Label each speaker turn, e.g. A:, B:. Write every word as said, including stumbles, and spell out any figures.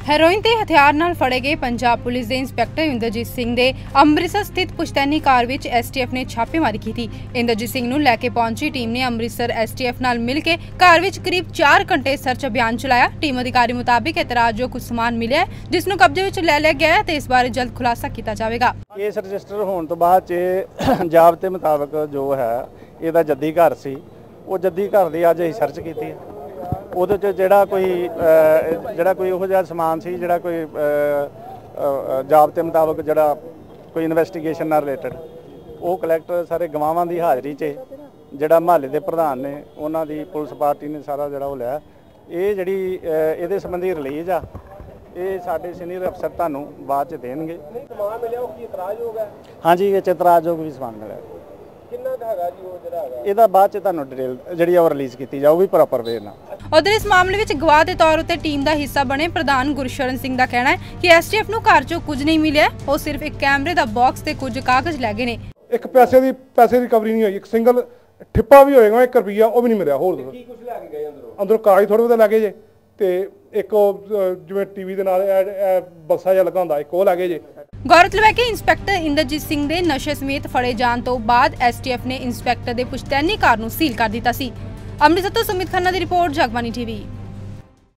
A: Heroin ਤੇ ਹਥਿਆਰ ਨਾਲ ਫੜੇ ਗਏ ਪੰਜਾਬ ਪੁਲਿਸ ਦੇ ਇੰਸਪੈਕਟਰ ਇੰਦਰਜੀਤ ਸਿੰਘ ਦੇ ਅੰਮ੍ਰਿਤਸਰ ਸਥਿਤ ਪੁਸ਼ਤੈਨੀ ਕਾਰ ਵਿੱਚ ਐਸਟੀਐਫ ਨੇ ਛਾਪੇਮਾਰੀ ਕੀਤੀ। ਇੰਦਰਜੀਤ ਸਿੰਘ ਨੂੰ ਲੈ ਕੇ ਪਹੁੰਚੀ ਟੀਮ ਨੇ ਅੰਮ੍ਰਿਤਸਰ ਐਸਟੀਐਫ ਨਾਲ ਮਿਲ ਕੇ ਕਾਰ ਵਿੱਚ ਕਰੀਬ ਚਾਰ ਘੰਟੇ ਸਰਚ ਅਭਿਆਨ ਚਲਾਇਆ। ਟੀਮ ਅਧਿਕਾਰੀ ਮੁਤਾਬਿਕ ਇਤਰਾਜ਼ਯੋਗ ਕੁਝ ਸਮਾਨ ਮਿਲਿਆ ਜਿਸ ਨੂੰ ਕਬਜ਼ੇ ਵਿੱਚ ਲੈ ਲਿਆ ਗਿਆ ਹੈ ਤੇ ਇਸ ਬਾਰੇ ਜਲਦ ਖੁਲਾਸਾ ਕੀਤਾ ਜਾਵੇਗਾ।
B: ਕੇਸ ਰਜਿਸਟਰ ਹੋਣ ਤੋਂ ਬਾਅਦ ਚ ਜ਼ਾਬਤੇ ਮੁਤਾਬਕ ਜੋ ਹੈ ਇਹਦਾ ਜੱਦੀ ਘਰ ਸੀ, ਉਹ ਜੱਦੀ ਘਰ ਦੀ ਅੱਜ ਅਸੀਂ ਸਰਚ ਕੀਤੀ। ਉਹਦੇ 'ਚ ਜਿਹੜਾ ਕੋਈ ਜਿਹੜਾ ਕੋਈ ਉਹੋ ਜਿਹਾ ਸਮਾਨ ਸੀ ਜਿਹੜਾ ਕੋਈ ਜ਼ਾਬਤੇ ਮੁਤਾਬਕ ਜਿਹੜਾ ਕੋਈ ਇਨਵੈਸਟੀਗੇਸ਼ਨ ਨਾਲ ਰਿਲੇਟਡ ਉਹ ਕਲੈਕਟਰ ਸਾਰੇ ਗਵਾਹਾਂ ਦੀ ਹਾਜ਼ਰੀ 'ਚ ਜਿਹੜਾ ਮਹੱਲੇ ਦੇ ਪ੍ਰਧਾਨ ਨੇ ਉਹਨਾਂ ਦੀ ਪੁਲਿਸ ਪਾਰਟੀ ਨੇ ਸਾਰਾ ਜਿਹੜਾ ਉਹ ਲਿਆ। ਇਹ ਜਿਹੜੀ ਇਹਦੇ ਸੰਬੰਧੀ ਰਿਲੀਜ਼ ਆ ਇਹ ਸਾਡੇ ਸੀਨੀਅਰ ਅਫਸਰ ਤੁਹਾਨੂੰ ਬਾਅਦ 'ਚ ਦੇਣਗੇ।
C: ਸਮਾਨ ਮਿਲਿਆ ਉਹ ਕੀ ਇਤਰਾਜ਼ਯੋਗ ਹੈ?
B: ਹਾਂਜੀ, ਇਹ 'ਚ ਇਤਰਾਜ਼ਯੋਗ ਵੀ ਸਮਾਨ ਮਿਲਿਆ।
C: ਕਿੰਨਾ ਕੁ ਹੈਗਾ ਜੀ ਉਹ ਜਿਹੜਾ ਹੈਗਾ?
B: ਇਹਦਾ ਬਾਅਦ 'ਚ ਤੁਹਾਨੂੰ ਡਿਟੇਲ ਜਿਹੜੀ ਉਹ ਰਿਲੀਜ਼ ਕੀਤੀ ਜਾਊਗੀ ਪ੍ਰੋਪਰ ਵੇ ਨਾਲ।
A: ਉਧਰ ਇਸ ਮਾਮਲੇ ਵਿੱਚ ਗਵਾਹ ਦੇ ਤੌਰ ਉੱਤੇ ਟੀਮ ਦਾ ਹਿੱਸਾ ਬਣੇ ਪ੍ਰਧਾਨ ਗੁਰਸ਼ਰਨ ਸਿੰਘ ਦਾ ਕਹਿਣਾ ਹੈ ਕਿ ਐਸਟੀਐਫ ਨੂੰ ਘਰ 'ਚੋਂ ਕੁਝ ਨਹੀਂ ਮਿਲਿਆ, ਉਹ ਸਿਰਫ ਇੱਕ ਕੈਮਰੇ ਦਾ ਬਾਕਸ ਤੇ ਕੁਝ ਕਾਗਜ਼ ਲੈ ਗਏ ਨੇ।
D: ਇੱਕ ਪੈਸੇ ਦੀ ਪੈਸੇ ਰਿਕਵਰੀ ਨਹੀਂ ਹੋਈ, ਇੱਕ ਸਿੰਗਲ ਠਿੱਪਾ ਵੀ ਹੋਏਗਾ ਇੱਕ ਰੁਪਈਆ ਉਹ ਵੀ ਨਹੀਂ ਮਿਲਿਆ। ਹੋਰ
C: ਕੀ ਕੁਝ ਲੈ ਕੇ ਗਏ ਅੰਦਰੋਂ?
D: ਅੰਦਰੋਂ ਕਾਗਜ਼ ਥੋੜੇ ਬਹੁਤੇ ਲੱਗੇ ਜੇ ਤੇ ਇੱਕ ਜਿਵੇਂ ਟੀਵੀ ਦੇ ਨਾਲ ਬੱਸਾ ਜਿਹਾ ਲੱਗਾ ਹੁੰਦਾ ਇੱਕ ਉਹ ਲੱਗੇ ਜੇ।
A: ਗੌਰਤਲਬ ਹੈ ਕਿ ਇੰਸਪੈਕਟਰ ਇੰਦਰਜੀਤ ਸਿੰਘ ਦੇ ਨਸ਼ੇ ਸਮੇਤ ਫੜੇ ਜਾਣ ਤੋਂ ਬਾਅਦ ਐਸਟੀਐਫ ਨੇ ਇੰਸਪੈਕਟਰ ਦੇ ਪੁਸ਼ਤੈਨੀ ਕਾਰ ਨੂੰ ਸੀਲ ਕਰ ਦਿੱਤਾ ਸੀ। ਅੰਮ੍ਰਿਤਸਰ ਤੋਂ ਸੁਮਿਤ ਖੰਨਾ ਦੀ ਰਿਪੋਰਟ, ਜਗਬਾਣੀ ਟੀਵੀ।